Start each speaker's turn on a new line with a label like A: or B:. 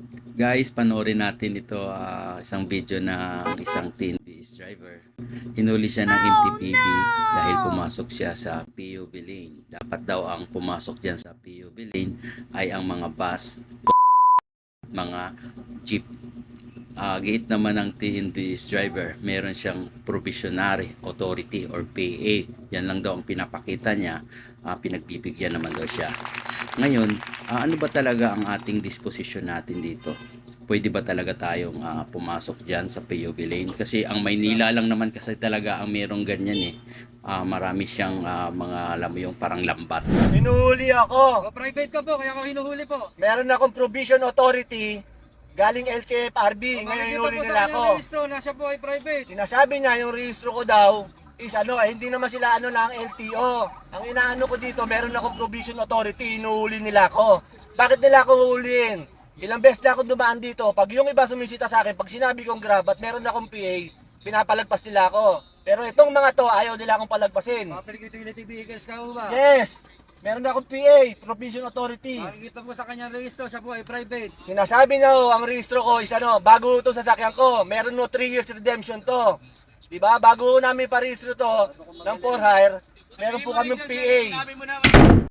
A: Guys, panoorin natin ito, isang video ng isang TNBS driver. Hinuli siya ng MTPB dahil pumasok siya sa PUV lane. Dapat daw ang pumasok dyan sa PUV lane ay ang mga bus, mga jeep. Gate naman ng TNBS driver, meron siyang provisionary authority or PA. Yan lang daw ang pinapakita niya. Pinagbibigyan naman daw siya. Ngayon, ano ba talaga ang ating disposition natin dito? Pwede ba talaga tayong pumasok dyan sa PUV lane? Kasi ang Maynila lang naman kasi talaga ang merong ganyan eh. Marami siyang mga, alam mo yung parang lambat.
B: Hinuhuli ako.
C: Private ka po, kaya ako hinuhuli po.
B: Meron akong provision authority galing LTFRB. Ngayon hinuli nila ako.
C: Registro, nasa po ay private.
B: Sinasabi niya yung registro ko daw is hindi naman sila ng LTO. Ang inaano ko dito, meron akong provision authority, hinuhuli nila ako. Bakit nila ako huhulihin? Ilang beses na ako dumaan dito, pag yung iba sumisita sa akin, pag sinabi kong grab at meron akong PA, pinapalagpas nila ako. Pero itong mga to, ayaw nila akong palagpasin.
C: Public utility vehicles ka ba?
B: Yes! Meron akong PA, provision authority.
C: Makikita mo sa kanyang registro, siya po ay private.
B: Sinasabi niya ang registro ko is bago ito sasakyan ko, meron 3 years redemption to. Diba? Bago namin pa-registro to ng for hire, meron po kaming PA.